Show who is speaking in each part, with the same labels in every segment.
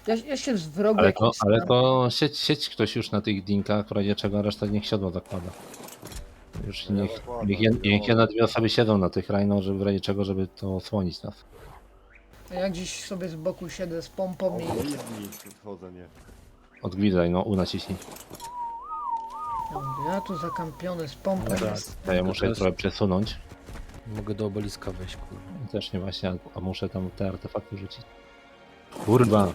Speaker 1: Ja się z wrogu
Speaker 2: Ale
Speaker 1: jakimś
Speaker 2: ale
Speaker 1: staram.
Speaker 2: to sieć ktoś już na tych dinkach, w razie czego reszta niech siodła zakłada. Już
Speaker 3: Ja
Speaker 2: niech
Speaker 3: zakładam,
Speaker 2: niech
Speaker 3: nie
Speaker 2: jedna,
Speaker 3: mogę.
Speaker 2: dwie osoby siedzą na tych rajno, żeby w razie czego, żeby to osłonić nas.
Speaker 1: A ja gdzieś sobie z boku siedzę z pompą
Speaker 3: O,
Speaker 1: i...
Speaker 3: blizni wchodzę, nie.
Speaker 2: Odgwizdaj, no, naciśnij.
Speaker 1: Ja tu zakampiony z pompą.
Speaker 4: No tak.
Speaker 1: jest.
Speaker 2: To ja muszę
Speaker 4: teraz-
Speaker 2: trochę przesunąć.
Speaker 4: Mogę do obeliska wejść, kurwa.
Speaker 2: Też nie właśnie, a muszę tam te artefakty rzucić. Kurwa!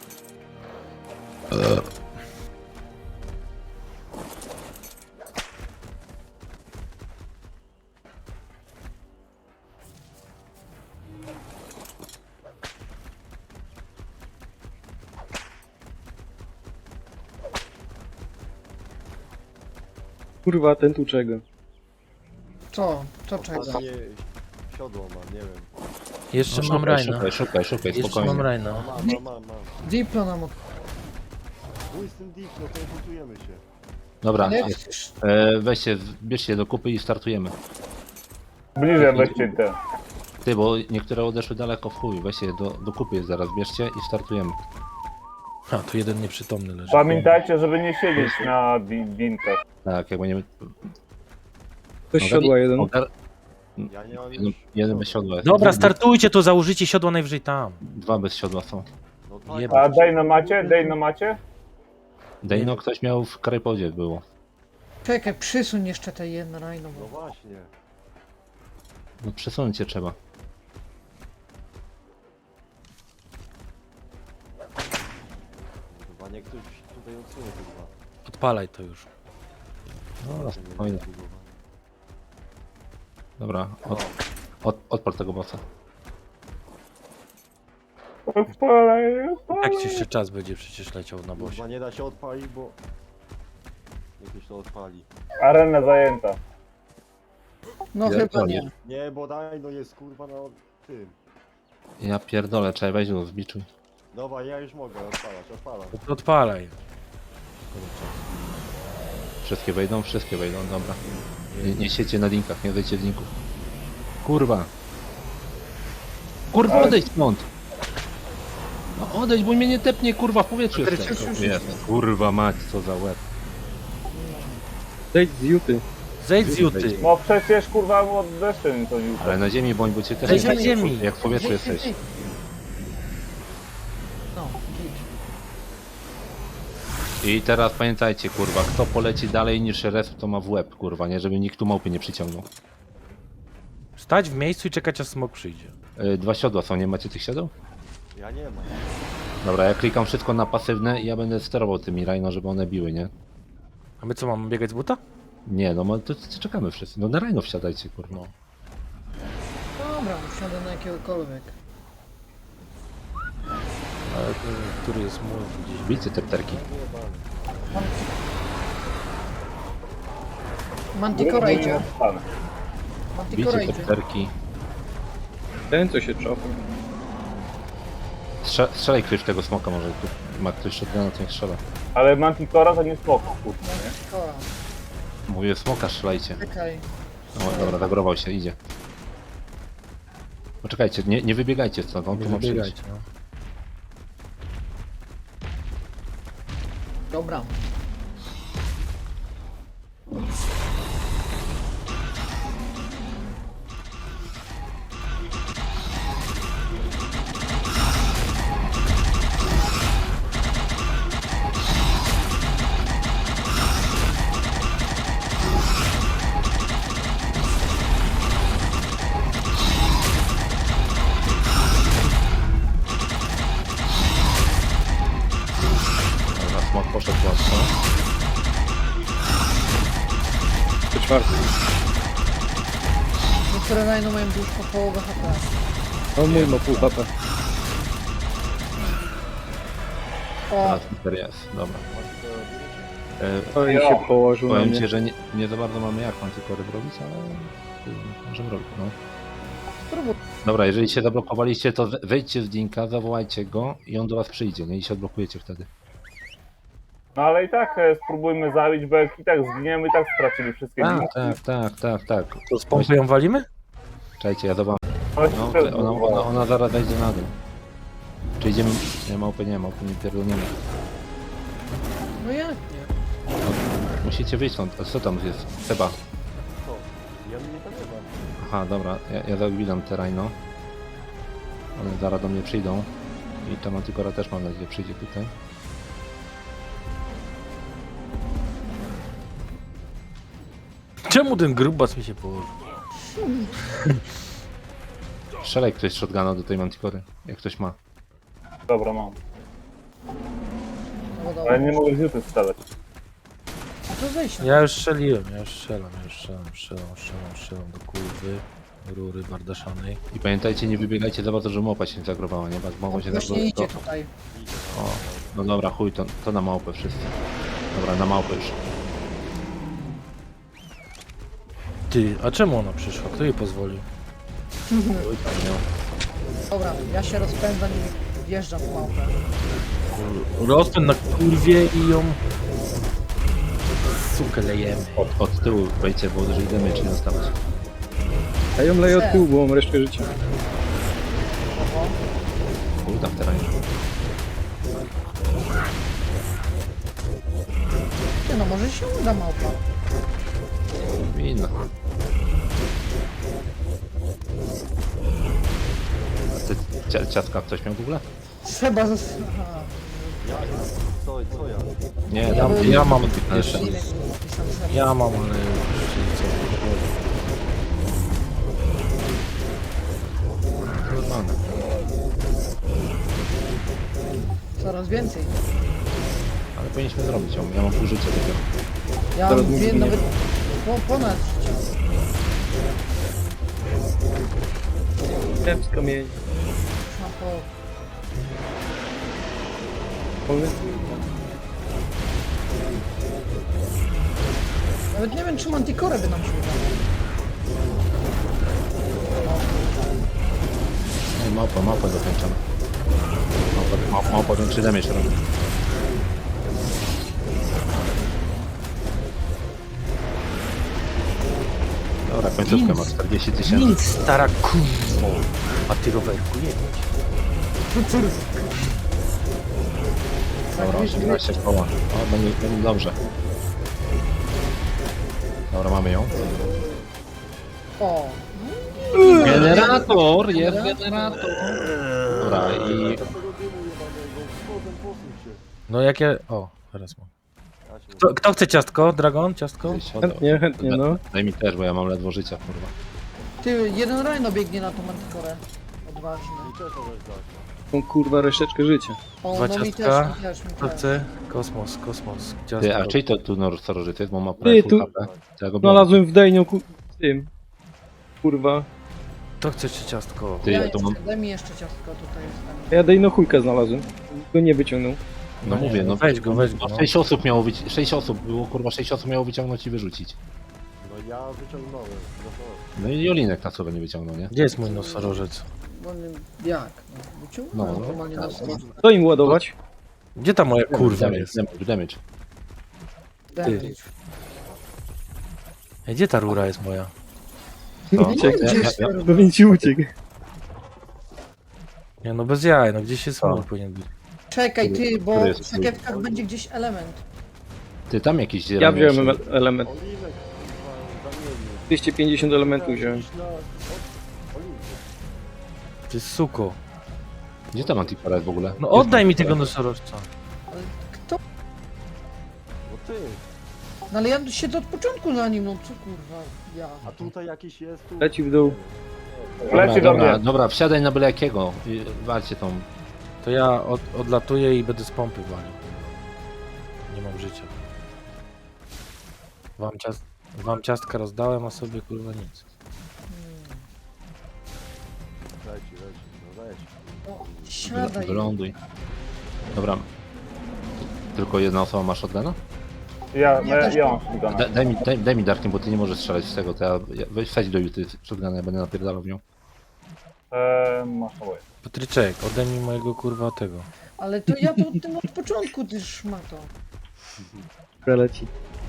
Speaker 5: Kurwa, ten tu czego?
Speaker 1: Co? Co czego?
Speaker 3: Ostatnie siodło mam, nie wiem.
Speaker 4: Jeszcze
Speaker 2: No,
Speaker 4: mam
Speaker 2: szukaj,
Speaker 4: Rajna.
Speaker 2: szukaj,
Speaker 4: Jeszcze
Speaker 2: spokojnie.
Speaker 4: mam Rajna.
Speaker 3: Mam.
Speaker 1: Diplo nam od...
Speaker 3: Mój z tym dick, no to budujemy się.
Speaker 2: Dobra,
Speaker 1: Ale
Speaker 2: jest.
Speaker 1: przecież...
Speaker 2: Weźcie, bierzcie do kupy i startujemy.
Speaker 5: Bliżej weźcie te.
Speaker 2: Ty, bo niektóre odeszły daleko w chuj, weźcie je do kupy zaraz bierzcie i startujemy.
Speaker 4: A, tu jeden nieprzytomny leży.
Speaker 5: Pamiętajcie, żeby nie siedzieć na dinkach.
Speaker 2: Tak, jak będziemy...
Speaker 5: Ktoś siodła jeden.
Speaker 3: Ja nie mam
Speaker 2: Jeden,
Speaker 3: już
Speaker 2: jeden bez siodła jest.
Speaker 4: Dobra, startujcie, to założycie siodło najwyżej tam.
Speaker 2: Dwa bez siodła są.
Speaker 3: No tak,
Speaker 4: Jeba.
Speaker 5: A Dejno macie? Dejno macie?
Speaker 2: Dejno ktoś miał w Krajpodzie było.
Speaker 1: Czekaj, przysuń jeszcze te jedno rajno,
Speaker 3: no
Speaker 1: bo...
Speaker 3: właśnie.
Speaker 2: No przesunąć się trzeba.
Speaker 3: Chyba nie ktoś tutaj odsunie chyba.
Speaker 4: Odpalaj to już.
Speaker 2: No, spokojnie. Dobra, odpal tego bossa.
Speaker 5: Odpalaj.
Speaker 4: Tak ci jeszcze czas będzie przecież leciał na bosie.
Speaker 3: Chyba nie da się odpalić, bo... Jakieś to odpali.
Speaker 5: Arena zajęta.
Speaker 1: No
Speaker 2: Ja
Speaker 1: chyba
Speaker 2: pierdolę.
Speaker 1: nie.
Speaker 3: Nie, bo daj, no jest kurwa na tym.
Speaker 2: Ja pierdolę, trzeba wejść do zbiczuj.
Speaker 3: Dobra, ja już mogę odpalać.
Speaker 4: To odpalaj.
Speaker 2: Wszystkie wejdą, dobra. Nie siedźcie na linkach, nie wejdźcie w linków. Kurwa! Kurwa, odejdź stąd! No odejdź, bo mnie nie tepnie, kurwa, w powietrzu jestem. Kurwa mać, co za łeb.
Speaker 5: Zejdź z Juty.
Speaker 4: Zejdź z Juty.
Speaker 5: No przecież kurwa od deszczu to Juta.
Speaker 2: Ale na ziemi bądź, bo cię też
Speaker 4: Zejdź
Speaker 2: nie
Speaker 4: na ziemi.
Speaker 2: Jak w powietrzu jesteś.
Speaker 1: No, git.
Speaker 2: I teraz pamiętajcie, kurwa, kto poleci dalej niż res, to ma w łeb, kurwa, nie? Żeby nikt tu małpy nie przyciągnął.
Speaker 4: Stać w miejscu i czekać aż smok przyjdzie.
Speaker 2: Dwa siodła są, nie macie tych siodeł?
Speaker 3: Ja nie mam.
Speaker 2: Dobra, ja klikam wszystko na pasywne i ja będę sterował tymi rajno, żeby one biły, nie?
Speaker 4: A my co, mamy biegać z buta?
Speaker 2: Nie, no to czekamy wszyscy. No na rajno wsiadajcie, kurwa.
Speaker 4: No.
Speaker 1: Dobra, wsiadę na jakiegokolwiek.
Speaker 4: Ale który jest mój gdzieś.
Speaker 2: Bijcie te pterki.
Speaker 1: Manticora idzie. Manticora
Speaker 2: Bijcie te
Speaker 1: idzie.
Speaker 2: pterki.
Speaker 5: Ten co się czofa.
Speaker 2: Strzelaj ktoś w tego smoka, może tu ma ktoś shotguna, to niech strzela.
Speaker 5: Ale Manticora to nie spoko, kurwa.
Speaker 1: Manticora.
Speaker 2: Mówię, smoka strzelajcie.
Speaker 1: Czekaj.
Speaker 2: No, dobra, zagrował się, idzie. Poczekajcie, nie wybiegajcie stąd, on
Speaker 4: Nie
Speaker 2: tu ma przyjść.
Speaker 4: wybiegajcie, no.
Speaker 1: Dobra.
Speaker 2: Dobra, smok poszedł łatwo.
Speaker 5: To czwarty.
Speaker 1: Niektóre rajno mają już po połowę HP.
Speaker 5: O mój ma pół HP.
Speaker 1: O,
Speaker 2: Teraz Peter jest, dobra.
Speaker 5: To i się położył na
Speaker 2: Powiem
Speaker 5: mnie.
Speaker 2: ci, że nie za bardzo mamy jak Manticory robić, ale możemy robić, no.
Speaker 1: spróbuj.
Speaker 2: Dobra, jeżeli się zablokowaliście, to wejdźcie z Dinka, zawołajcie go i on do was przyjdzie, nie? I się odblokujecie wtedy.
Speaker 5: No ale i tak spróbujmy zabić, bo jak i tak zginiemy, i tak stracili wszystkie
Speaker 2: Tak,
Speaker 5: dinki.
Speaker 2: tak.
Speaker 4: To z pompy ją walimy?
Speaker 2: Czekajcie, ja zobaczę.
Speaker 5: Chodź,
Speaker 2: No, ona zaraz wejdzie na dół. Czy idziemy... Nie, małpy nie pierdolniemy.
Speaker 1: No jak nie?
Speaker 2: Musicie wyjść stąd. A co tam jest? Seba.
Speaker 3: Co? Ja mnie tam nie ma.
Speaker 2: Aha, dobra, ja zagwizdam te rajno. One zaraz do mnie przyjdą. I ta Manticora też mam nadzieję przyjdzie tutaj.
Speaker 4: Czemu ten grubas mi się położył?
Speaker 2: Strzelaj ktoś z shotguna do tej Manticory, jak ktoś ma.
Speaker 5: Dobra, mam.
Speaker 1: No dobra.
Speaker 5: Ale nie mogę z juty strzelać.
Speaker 1: No to zejdź.
Speaker 4: Ja już strzeliłem, strzelam do kurwy, rury bardaszanej.
Speaker 2: I pamiętajcie, nie wybiegajcie za bardzo, że małpa się zagrowała, nie? Bo mogą się
Speaker 1: Właśnie
Speaker 2: zagrować.
Speaker 1: idzie tutaj.
Speaker 2: O, no dobra, chuj, to na małpę wszyscy. Dobra, na małpę już.
Speaker 4: Ty, a czemu ona przyszła? Kto jej pozwolił?
Speaker 2: Chuj tam, nie?
Speaker 1: Dobra, ja się rozpędzam i wjeżdżam w małpę.
Speaker 4: Rozpęd na kurwie i ją... Sukę lejemy.
Speaker 2: Od tyłu wejdźcie, bo jeżeli damage nie dostawać.
Speaker 6: Ja ją leję od tyłu, bo mam resztę życia.
Speaker 1: Oho.
Speaker 2: Chuj tam w terenie.
Speaker 1: Ty, no może się uda małpa.
Speaker 2: Winno. A ty ciastka ktoś miał w ogóle?
Speaker 1: Trzeba Aha.
Speaker 3: Co ja?
Speaker 2: Nie,
Speaker 1: Ja
Speaker 2: tam
Speaker 1: bym-
Speaker 4: Ja mam
Speaker 2: jeszcze.
Speaker 1: Ile pisał trzeba.
Speaker 4: Ja mam, ale już
Speaker 2: normalne.
Speaker 1: Coraz więcej.
Speaker 2: Ale powinniśmy zrobić ją. Ja mam pół życia dopiero.
Speaker 1: Ja
Speaker 6: Zaraz
Speaker 1: mam
Speaker 6: mi
Speaker 1: dwie,
Speaker 6: zginie.
Speaker 1: nawet ponad życia.
Speaker 6: Wiem z kamieni.
Speaker 1: Mam po... Nawet nie wiem, czy Manticore by nam się udało.
Speaker 2: Nie, małpa dokończona. Małpa większy damage robi. Dobra, końcówkę ma 40 000.
Speaker 4: nic, stara kurwo. A ty rowerku jedź.
Speaker 2: Dobra, 18 koła. O, będzie dobrze. Dobra, mamy ją.
Speaker 1: O,
Speaker 2: Generator! Jest generator! Dobra, i...
Speaker 3: Tego dymu jebanego. Wchodzę, posuń się.
Speaker 4: No jak ja... O, teraz mam.
Speaker 3: Ja się
Speaker 4: Kto chce ciastko? Dragon? Ciastko?
Speaker 6: Chętnie, no.
Speaker 2: Daj mi też, bo ja mam ledwo życia, kurwa.
Speaker 1: ty, jeden rajno biegnie na tą Manticore. Odważny.
Speaker 3: I też możesz dać.
Speaker 6: Tą kurwa reszeczkę życia.
Speaker 1: O,
Speaker 4: Dwa
Speaker 1: no mi
Speaker 4: ciastka.
Speaker 1: też, mi
Speaker 4: Kto
Speaker 1: też.
Speaker 4: chce? Kosmos, ciastko.
Speaker 2: Ty, a czyj to tu starożyty jest, bo ma
Speaker 6: Ty,
Speaker 2: prawie
Speaker 6: tu-
Speaker 2: full HP. To ja go biorę.
Speaker 6: Znalazłem w Dejnią tym. Kurwa.
Speaker 4: Kto chce ci ciastko?
Speaker 2: Ty,
Speaker 1: Ja
Speaker 2: ja tu
Speaker 1: jeszcze,
Speaker 2: mam...
Speaker 1: daj mi jeszcze ciastko, tutaj jest.
Speaker 6: Ja Dejno chujka znalazłem. Go nie wyciągnął.
Speaker 2: No mówię, no
Speaker 4: weź go, weź go.
Speaker 2: No
Speaker 4: No.
Speaker 2: 6 osób miało 6 osób, było kurwa 6 osób miało wyciągnąć i wyrzucić.
Speaker 3: No ja wyciągnąłem. No to.
Speaker 2: No i Jolinek na sobie nie wyciągnął, nie?
Speaker 4: Gdzie jest mój nosorożec?
Speaker 1: Bo nie, jak? No, wyciągnąłem
Speaker 2: No,
Speaker 1: normalnie
Speaker 2: tak.
Speaker 1: na stronę.
Speaker 6: Co im ładować?
Speaker 4: Gdzie ta moja kurwa
Speaker 2: Damage,
Speaker 4: jest?
Speaker 2: damage.
Speaker 1: Damage.
Speaker 4: Ej, gdzie ta rura jest moja?
Speaker 2: To,
Speaker 6: Uciekł.
Speaker 2: ja,
Speaker 6: Pewnie ci uciekł.
Speaker 4: Nie no bez jaj, no gdzieś jest
Speaker 2: Co?
Speaker 4: mur powinien być.
Speaker 1: Czekaj ty, bo
Speaker 2: Który
Speaker 1: w
Speaker 2: jest
Speaker 1: sakiewkach będzie gdzieś element.
Speaker 2: ty tam jakiś
Speaker 6: Ja
Speaker 2: zielony
Speaker 6: wziąłem
Speaker 2: jeszcze.
Speaker 6: element.
Speaker 3: Oliwek, kurwa, zamienił.
Speaker 6: 250 elementów wziąłem.
Speaker 3: Oliwek.
Speaker 4: Ty suko.
Speaker 2: Gdzie ta Manticora jest w ogóle?
Speaker 4: No oddaj mi tego nosorożca.
Speaker 1: Ale kto?
Speaker 3: No ty.
Speaker 1: No ale ja siedzę od początku za nim, no co kurwa, ja.
Speaker 3: A tutaj jakiś jest tu.
Speaker 6: Leci w dół.
Speaker 5: Leci do mnie.
Speaker 2: Dobra, wsiadaj na byle jakiego i walcie tą.
Speaker 4: To ja odlatuję i będę z pompy walił. Nie mam życia. Wam ciastka rozdałem, a sobie kurwa nic.
Speaker 3: Leci, no leci.
Speaker 1: O, siadaj.
Speaker 2: Wyląduj. Dobra. Tylko jedna osoba ma shotguna?
Speaker 5: Ja
Speaker 1: też
Speaker 5: mam shotguna.
Speaker 2: Daj mi Darkiem, bo ty nie możesz strzelać z tego, to weź wsadź do Juty shotguna, ja będę napierdalał w nią.
Speaker 5: Masz naboje.
Speaker 4: Patryczek, oddaj mi mojego kurwa tego.
Speaker 1: Ale to ja to tym od początku, ty szmato.
Speaker 6: Preleci.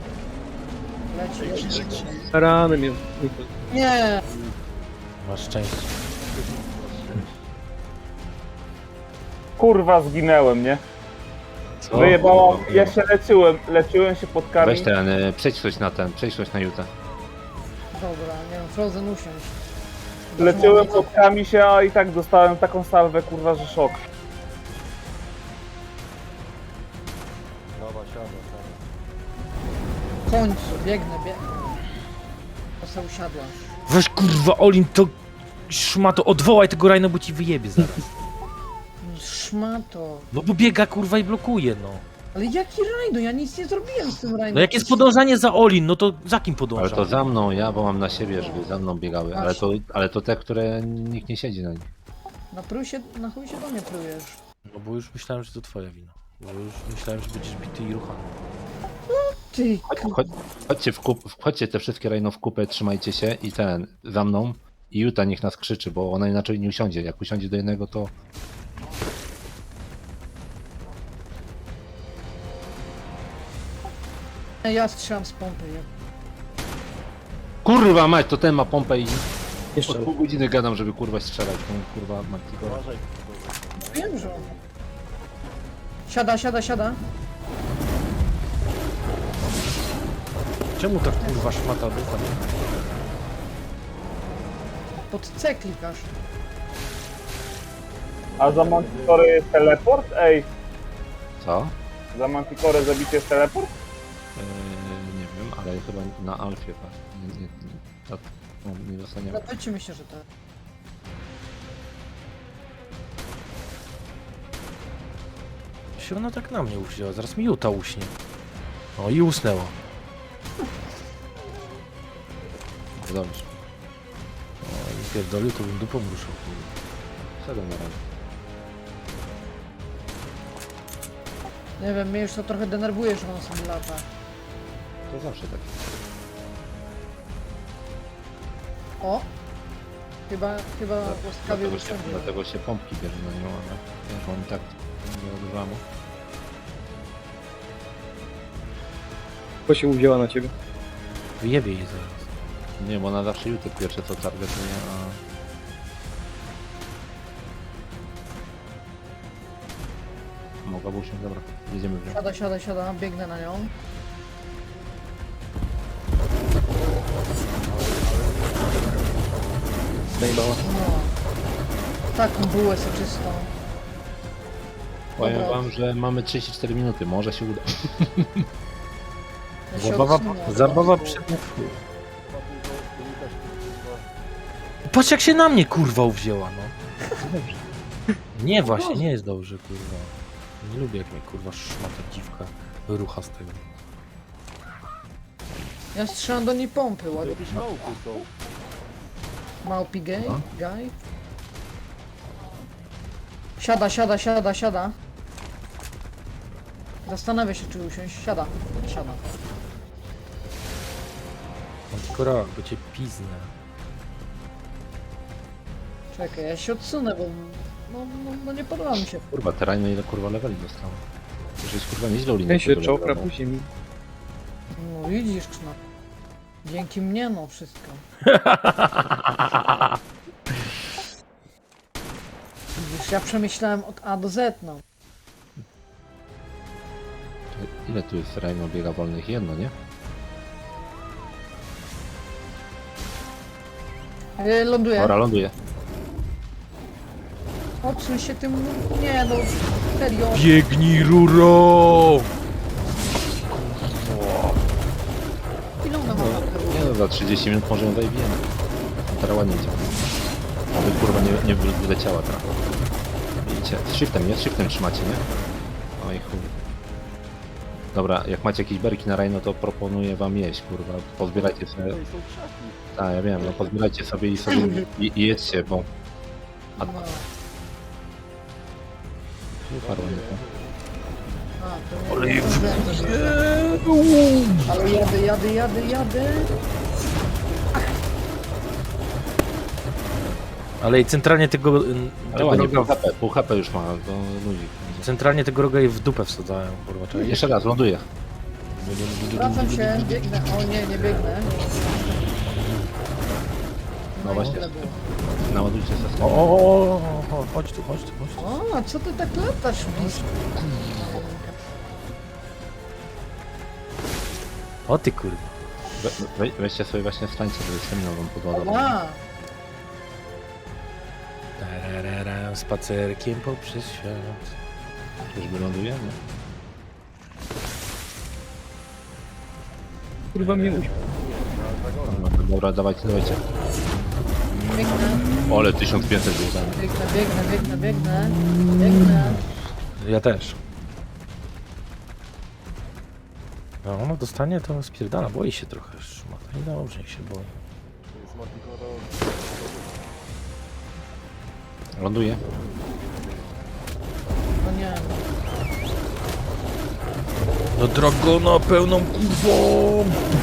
Speaker 1: Leci.
Speaker 6: Ranem jest.
Speaker 1: Nie,
Speaker 4: Masz szczęście.
Speaker 5: Kurwa, zginęłem, nie?
Speaker 2: Co?
Speaker 5: Wyjebałam, ja się leczyłem się pod kami.
Speaker 2: Weź ten, przejdź coś na Jutę.
Speaker 1: Dobra, nie wiem, Frozen usiąść.
Speaker 5: Leczyłem pod kami się, a i tak dostałem taką salwę, kurwa, że szok.
Speaker 3: Dobra, siada.
Speaker 1: W końcu, biegnę. To se usiadłaś.
Speaker 4: Weź kurwa, Olin, to szmato, odwołaj tego Rajno, bo ci wyjebie zaraz.
Speaker 1: Szmato.
Speaker 4: No bo biega kurwa i blokuje, no.
Speaker 1: Ale jaki rajno? Ja nic nie zrobiłem z tym rajnem.
Speaker 4: No jak jest podążanie za Olin, no to za kim
Speaker 2: Ale
Speaker 4: podąża?
Speaker 2: to za mną, ja bo mam na siebie, żeby za mną biegały. Ale to te, które nikt nie siedzi na nich.
Speaker 1: Na chuj się do mnie plujesz.
Speaker 4: No bo już myślałem, że to twoja wina. Bo już myślałem, że będziesz bity i ruchany.
Speaker 1: Ty,
Speaker 2: Chodźcie te wszystkie rejno w kupę, trzymajcie się i ten, za mną. I Juta niech nas krzyczy, bo ona inaczej nie usiądzie. Jak usiądzie do jednego, to...
Speaker 1: ja strzelam z pompy.
Speaker 2: Kurwa mać, to ten ma pompę i
Speaker 6: Jeszcze.
Speaker 2: od pół godziny gadam, żeby kurwa strzelać tą kurwa Manticora.
Speaker 3: Uważaj,
Speaker 1: Wiem, że... Siada.
Speaker 4: Czemu tak kurwa szmata ducha nie?
Speaker 1: Pod C klikasz.
Speaker 5: A za Manticore jest teleport? Ej,
Speaker 2: Co?
Speaker 5: za Manticore zabicie jest teleport?
Speaker 2: Nie wiem, ale chyba na Alfie, tak. Nie dostaniemy.
Speaker 1: Zapytajmy się, że tak.
Speaker 4: Się ona tak na mnie uwzięła, zaraz mi Juta uśnie. O i usnęła.
Speaker 2: Dobrze.
Speaker 4: O i pierdolił, to bym dupą ruszał.
Speaker 2: Szedłem na razie.
Speaker 1: Nie wiem, mnie już to trochę denerwuje, że on sobie lata.
Speaker 2: To zawsze tak.
Speaker 1: O! Chyba łaskawie usiądzie.
Speaker 2: Dlatego się pompki bierze na nią, ale wiesz, on tak nie odrywamy.
Speaker 6: Bo się uwzięła na ciebie.
Speaker 4: Wyjebie jej zaraz.
Speaker 2: Nie, bo ona zawsze YouTube pierwsze co targetuje, a... Mogłaby się, dobra, jedziemy w nią.
Speaker 1: Siada, biegnę na nią.
Speaker 6: Zajebała.
Speaker 1: No. Taką bułę soczystą.
Speaker 2: Powiem
Speaker 1: Dobra.
Speaker 2: wam, że mamy 34 minuty, może się uda.
Speaker 1: Ja się
Speaker 4: Zabawa,
Speaker 1: odsunę.
Speaker 4: zabawa przed... Patrz jak się na mnie kurwa uwzięła, no. Nie właśnie, nie jest dobrze kurwa. Nie lubię jak mnie kurwa szmata dziwka rucha z tego.
Speaker 1: Ja strzelam do niej pompy, ładnie.
Speaker 3: jakieś małpy są.
Speaker 1: Małpi gay,
Speaker 2: No.
Speaker 1: guy. Siada. Zastanawia się, czy usiąść. Siada.
Speaker 4: Mam tylko rok, bo cię piznę.
Speaker 1: Czekaj, ja się odsunę, bo... No nie podoba mi się.
Speaker 2: Kurwa, terajno ile kurwa leveli dostało. To jest kurwa nieźle
Speaker 6: Ten
Speaker 2: ulinie.
Speaker 6: się czopra później mi.
Speaker 1: No widzisz, no. Dzięki mnie, no wszystko. Widzisz, ja przemyślałem od A do Z, no.
Speaker 2: Ile tu jest terajno biega wolnych? Jedno, nie?
Speaker 1: Ląduję.
Speaker 2: Dobra, ląduje.
Speaker 1: Odsuń się tym... Nie, no. Serio.
Speaker 4: Biegnij ruro!
Speaker 1: Ile ona ma lat?
Speaker 2: Nie no, za 30 minut może ją zajmiemy. Teraz ładnie idzie. Aby kurwa nie wyleciała teraz. Widzicie, z shiftem, nie? Z shiftem trzymacie, nie? Oj chuj. Dobra, jak macie jakieś berki na rajno, to proponuję wam jeść, kurwa. Pozbierajcie sobie...
Speaker 3: Tutaj są krzaki.
Speaker 2: Tak, ja wiem, no pozbierajcie sobie i jedzcie, bo... A
Speaker 1: No.
Speaker 2: uparło mnie to.
Speaker 1: A, to nie. Ale jadę.
Speaker 4: Ale i centralnie tego,
Speaker 2: Ale
Speaker 4: tego
Speaker 2: ładnie,
Speaker 4: roga,
Speaker 2: pół HP już ma, to ludzi.
Speaker 4: centralnie tego roga jej w dupę wsadzają, kurwa, czekaj.
Speaker 2: Jeszcze raz, ląduję.
Speaker 1: Wracam się, biegnę. O nie, nie biegnę.
Speaker 2: No właśnie,
Speaker 1: tyle było.
Speaker 2: naładujcie se
Speaker 4: O, chodź tu.
Speaker 1: O, a co ty tak latasz blisko?
Speaker 4: O ty kurwa.
Speaker 2: Weźcie sobie właśnie stańce, żeby stamina wam podładować.
Speaker 1: Ła!
Speaker 4: Tararara, spacerkiem poprzez świat.
Speaker 2: Już wyląduje, nie?
Speaker 6: Kurwa mnie uś...
Speaker 2: Dobra, dawajcie.
Speaker 1: Biegnę,
Speaker 2: Ole, 1500 było dane.
Speaker 1: biegnę.
Speaker 4: Ja też. No, ono dostanie, to spierdala, boi się trochę szmata. I dobrze, niech się boi.
Speaker 2: Ląduje.
Speaker 1: No nie,
Speaker 4: No dragona pełną kurwą!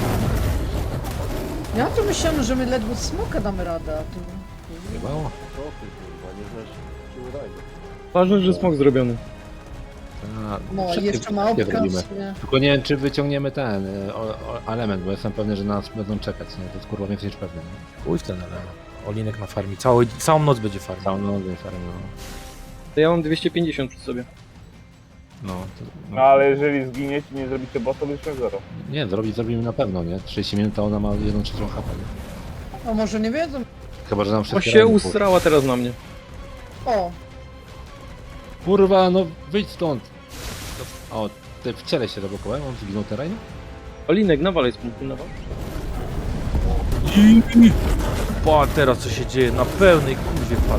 Speaker 1: ja tu myślałem, że my ledwo smoka damy radę, a tu...
Speaker 2: Chybało.
Speaker 3: Co ty kurwa, nie znasz siły rajdu.
Speaker 6: Ważne, że smok zrobiony.
Speaker 1: No, jeszcze ma
Speaker 2: zrobimy.
Speaker 1: obkaz, nie?
Speaker 2: Tylko nie wiem, czy wyciągniemy ten element, bo jestem pewny, że nas będą czekać, nie? To jest kurwa więcej niż pewne, nie?
Speaker 4: Pójdź ten element. Olinek na farmi. Całą noc będzie farmił.
Speaker 2: Całą noc farmę, no.
Speaker 6: To ja mam 250 przy sobie.
Speaker 2: No, to,
Speaker 5: No ale jeżeli zginiecie i nie zrobicie bossa, to byśmy zero.
Speaker 2: Nie, zrobimy na pewno, nie? 30 minut, a ona ma 1/3 HP, nie?
Speaker 1: O, może nie wiedzą?
Speaker 2: Chyba, że nam
Speaker 6: O
Speaker 2: wszystkie
Speaker 6: się
Speaker 2: rany
Speaker 6: ustrała teraz na mnie.
Speaker 1: O,
Speaker 2: Kurwa, no wyjdź stąd! O, ty w ciele się zablokowałem, on zginął teraz, nie?
Speaker 6: Olinek, nawalaj z punktu, nawal.
Speaker 4: Pa, teraz co się dzieje? Na pełnej kurwie padł.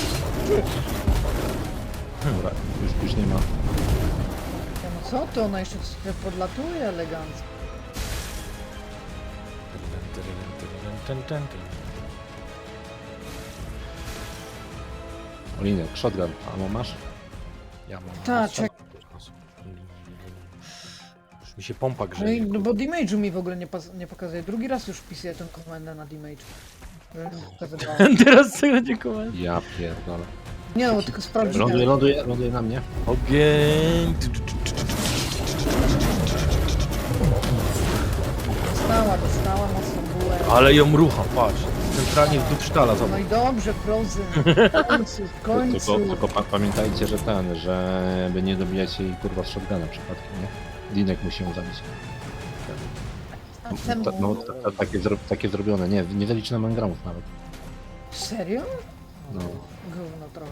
Speaker 2: Dobra, już nie ma.
Speaker 1: ja no co ty, ona jeszcze sobie podlatuje elegancko.
Speaker 2: Olinek, shotgun, a masz?
Speaker 4: Ja mam.
Speaker 1: Tak, czek.
Speaker 4: Już mi się pompa
Speaker 1: No,
Speaker 4: grzeje.
Speaker 1: no bo damage'u mi w ogóle nie pokazuje. Drugi raz już wpisuję tę komendę na damage.
Speaker 4: Teraz co będzie komend?
Speaker 2: Ja pierdolę.
Speaker 1: Nie no, tylko sprawdziłem.
Speaker 2: Ląduje na mnie.
Speaker 4: Ogień!
Speaker 1: Dostała mocną bułę.
Speaker 4: Ale ją rucha, patrz. Centralnie w dupsztala,
Speaker 1: No
Speaker 4: zobacz.
Speaker 1: i dobrze, Frozen. W końcu.
Speaker 2: Tylko pamiętajcie, że żeby nie dobijać jej kurwa z shotguna przypadkiem, nie? Dinek musi ją zabić.
Speaker 1: A temu...
Speaker 2: Takie zrobione, nie zaliczy na engramów nawet.
Speaker 1: Serio?
Speaker 2: No.
Speaker 1: Gówno trochę.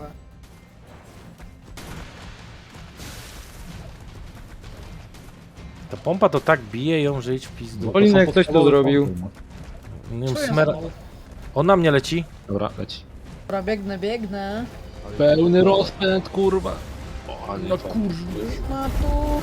Speaker 4: Ta pompa to tak bije ją, że idź w pizdu.
Speaker 6: Olinek, ktoś to zrobił.
Speaker 4: Nie wiem,
Speaker 1: Co ja
Speaker 4: smera...
Speaker 1: znowu?
Speaker 4: On na mnie leci.
Speaker 2: Dobra, leci.
Speaker 1: Dobra, biegnę.
Speaker 2: Pełny rozpęd, kurwa. O, ale
Speaker 4: No
Speaker 2: fajnie.
Speaker 4: kurwa.
Speaker 1: Ma tu.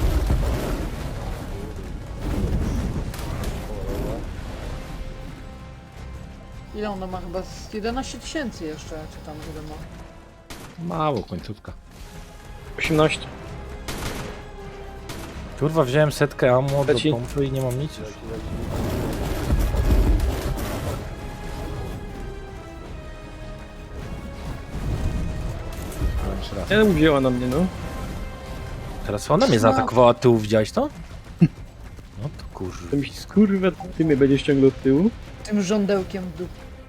Speaker 1: Ile ona ma? Chyba z 11 000 jeszcze, czy tam ile ma?
Speaker 2: Mało, końcówka.
Speaker 6: 18.
Speaker 4: Kurwa, wziąłem setkę ammo do
Speaker 6: Leci.
Speaker 4: pompy i nie mam nic już.
Speaker 2: Jeszcze raz.
Speaker 6: Nie uwzięła na mnie, no.
Speaker 4: Teraz ona mnie zaatakowała od tyłu, widziałeś to? No to kurwa.
Speaker 6: To mi się, kurwa, ty mnie będziesz ciągnął od tyłu.
Speaker 1: Tym żądełkiem w dupie.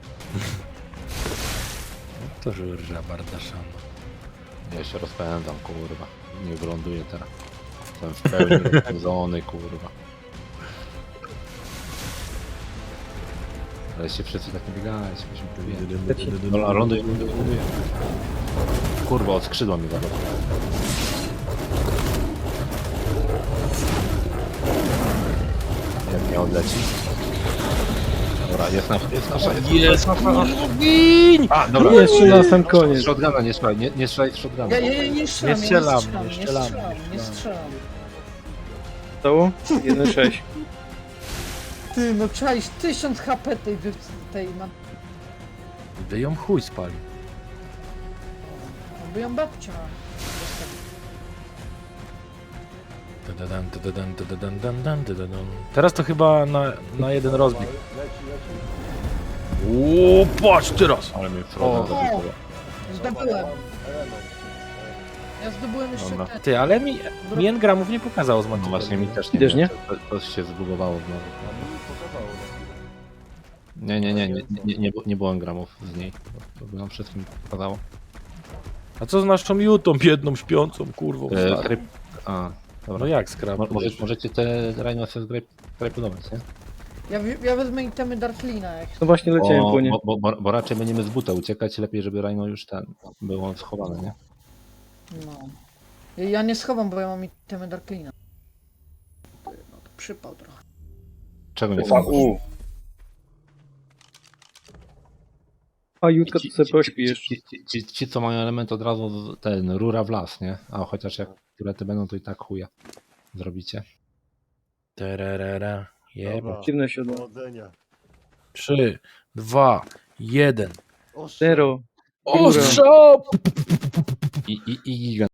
Speaker 4: To żurża bardaszana.
Speaker 2: Ja się rozpędzam, kurwa. Nie wyląduję teraz. Jestem w pełni rozpędzony, kurwa. Ale się wszyscy tak nie biegać, byśmy tu Dobra, ląduję. Kurwa, od skrzydła mi zablokowało. Jak nie odleci. Dobra, jest nasza.
Speaker 4: Gin!
Speaker 2: A, dobra.
Speaker 6: Jeszcze na sam koniec.
Speaker 2: Z shotguna nie strzelaj, nie strzelaj z shotguna.
Speaker 1: Ja nie strzelam,
Speaker 4: Nie
Speaker 1: ja
Speaker 4: strzelam.
Speaker 1: nie strzelam.
Speaker 6: Stało? 1,6.
Speaker 1: Ty, no czaisz 1000 HP tej ma...
Speaker 4: Gdy ją chuj spali.
Speaker 1: By ją babcia.
Speaker 4: Teraz to chyba na jeden rozbieg. Uuu, patrz teraz!
Speaker 2: Ale mnie Frozen zabił.
Speaker 1: O, zdobyłem. Ja zdobyłem jeszcze
Speaker 2: Dobra.
Speaker 1: ten.
Speaker 4: Ty, ale mi engramów nie pokazało z
Speaker 2: No
Speaker 4: Manticore.
Speaker 2: właśnie mi też nie.
Speaker 6: Idziesz, nie?
Speaker 2: To się zbugowało znowu.
Speaker 3: A mi pokazało na chwilę.
Speaker 2: Nie było engramów z niej. To by nam wszystkim pokazało.
Speaker 4: A co z naszą Jutą, biedną, śpiącą, kurwą? starą?
Speaker 2: Kryp... A, dobra.
Speaker 4: No jak skrap?
Speaker 2: Możecie te Rhinosy zgrajponować, nie?
Speaker 1: Ja wezmę itemy Darklina, jak
Speaker 6: No właśnie leciałem po nie.
Speaker 2: Bo raczej będziemy z buta uciekać, lepiej żeby Rhino już było schowane, nie?
Speaker 1: no. Ja nie schowam, bo ja mam itemy Darklina. No to przypał trochę.
Speaker 2: Czego nie
Speaker 5: UVU.
Speaker 6: A Jutka to sobie pośpi jeszcze.
Speaker 2: Ci, co mają element od razu rura w las, nie? A chociaż jak turety będą, to i tak chuja zrobicie.
Speaker 4: Tererera. Jeba.
Speaker 6: Dziwne siodło.
Speaker 7: Powodzenia.
Speaker 4: 3, 2, 1.
Speaker 7: Ostrze.
Speaker 6: Zero.
Speaker 4: Ostrzał!
Speaker 2: I